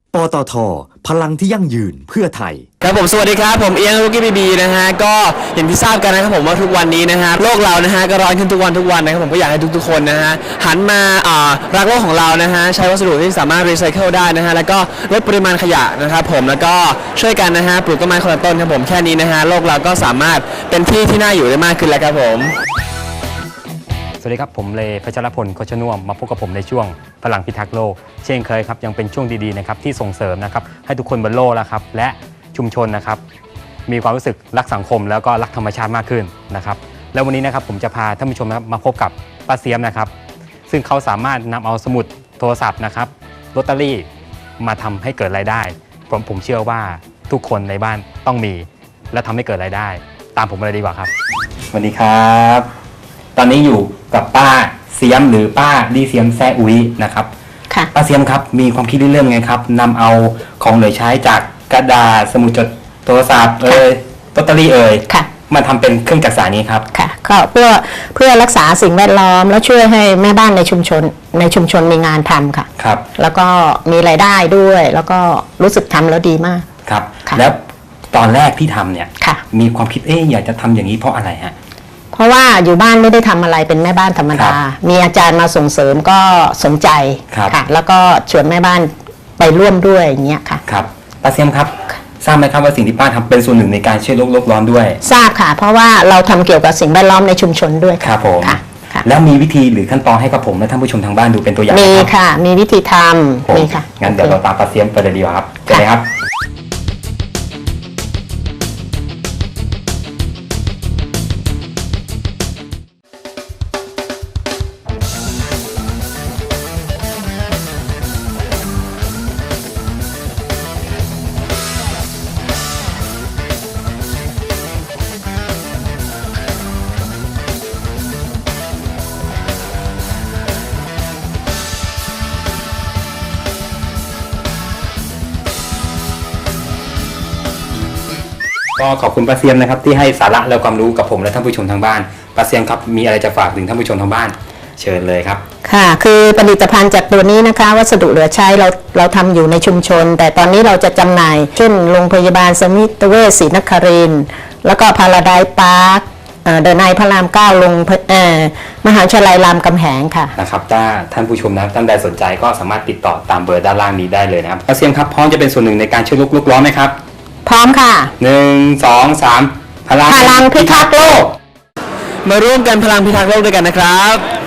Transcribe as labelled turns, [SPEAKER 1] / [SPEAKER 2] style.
[SPEAKER 1] ปตท.พลังที่ยั่งยืนเพื่อไทย
[SPEAKER 2] ครับผมสวัสดีครับผมเอียงลูกี้บีนะฮะก็อย่างที่ทราบกันนะครับผมว่าทุกวันนี้นะฮะโลกเรานะฮะก็ร้อนขึ้นทุกวันนะครับผมก็อยากให้ทุกๆคนนะฮะหันมารักโลกของเรานะฮะใช้วัสดุที่สามารถรีไซเคิลได้นะฮะแล้วก็ลดปริมาณขยะนะครับผมแล้วก็ช่วยกันนะฮะปลูกต้นไม้คนละต้นครับผมแค่นี้นะฮะโลกเราก็สามารถเป็นที่ที่น่าอยู่ได้มากขึ้นแล้วครับผม
[SPEAKER 3] สวัสดีครับผมเลพัชรพล โคชน่วมมาพบกับผมในช่วงพลังพิทักษ์โลกเช่นเคยครับยังเป็นช่วงดีๆนะครับที่ส่งเสริมนะครับให้ทุกคนบนโลกแล้วครับและชุมชนนะครับมีความรู้สึกรักสังคมแล้วก็รักธรรมชาติมากขึ้นนะครับแล้ววันนี้นะครับผมจะพาท่านผู้ชมนะครับมาพบกับป้าเสียมนะครับซึ่งเขาสามารถนำเอาสมุดโทรศัพท์นะครับลอตเตอรี่มาทำให้เกิดรายได้ผมเชื่อว่าทุกคนในบ้านต้องมีและทำให้เกิดรายได้ตามผมมาเลยดีกว่าครับสวัสดีครับตอนนี้อยู่กับป้าเสียมหรือป้าดีเสียมแซ่อุ้ยนะครับค่ะป้าเสียมครับมีความคิดเรื่องไงครับนำเอาของเหลือใช้จากกระดาษสมุดจดโทรศัพท์ลอตเตอรี่มาทำเป็นเครื่องจักสานนี้ครับ
[SPEAKER 4] ค่ะก็เพื่อรักษาสิ่งแวดล้อมแล้วช่วยให้แม่บ้านในชุมชนมีงานทำค่ะ
[SPEAKER 3] ครับ
[SPEAKER 4] แล้วก็มีรายได้ด้วยแล้วก็รู้สึกทำแล้วดีมาก
[SPEAKER 3] ครับแล้วตอนแรกที่ทำเนี่ยมีความคิดอยากจะทำอย่างนี้เพราะอะไรฮะ
[SPEAKER 4] เพราะว่าอยู่บ้านไม่ได้ทำอะไรเป็นแม่บ้านธรรมดามีอาจารย์มาส่งเสริมก็สนใจค่ะแล้วก็ชวนแม่บ้านไปร่วมด้วยอย่างเงี้ยค่ะ
[SPEAKER 3] ครับป้าเสียมครับทราบไหมครับว่าสิ่งที่ป้าทำเป็นส่วนหนึ่งในการช่วยโลกร้อนด้วย
[SPEAKER 4] ทราบค่ะเพราะว่าเราทำเกี่ยวกับสิ่งแวดล้อมในชุมชนด้วย
[SPEAKER 3] ครับผมแล้วมีวิธีหรือขั้นตอนให้กับผมและท่านผู้ชมทางบ้านดูเป็นตัวอย่าง
[SPEAKER 4] มีค่ะมีวิธีทำมีค่ะ
[SPEAKER 3] งั้นเดี๋ยวเราตามป้าเสียมไปเลยดีกว่าครับเชิญเลยครับก็ขอบคุณป้าเสียมนะครับที่ให้สาระและความรู้กับผมและท่านผู้ชมทางบ้านป้าเสียมครับมีอะไรจะฝากถึงท่านผู้ชมทางบ้านเชิญเลยครับ
[SPEAKER 4] ค่ะคือผลิตภัณฑ์จากตัวนี้นะคะวัสดุเหลือใช้เราทำอยู่ในชุมชนแต่ตอนนี้เราจะจำหน่ายเช่นโรงพยาบาลสมิติเวชศรีนครินทร์แล้วก็พาราไดซ์พาร์คเดินในพระราม9ลงมหาวิทยาลัยรามคำแหงค่ะ
[SPEAKER 3] นะครับถ้าท่านผู้ชมนะท่านใดสนใจก็สามารถติดต่อตามเบอร์ด้านล่างนี้ได้เลยนะครับป้าเสียมครับพร้อมจะเป็นส่วนหนึ่งในการช่วยโลกร้อนไหมครับ
[SPEAKER 4] พร้อมค่ะ
[SPEAKER 3] 1 2 3พลัง
[SPEAKER 4] พิทักษ์โลก
[SPEAKER 2] มาร่วมกันพลังพิทักษ์โลกด้วยกันนะครับ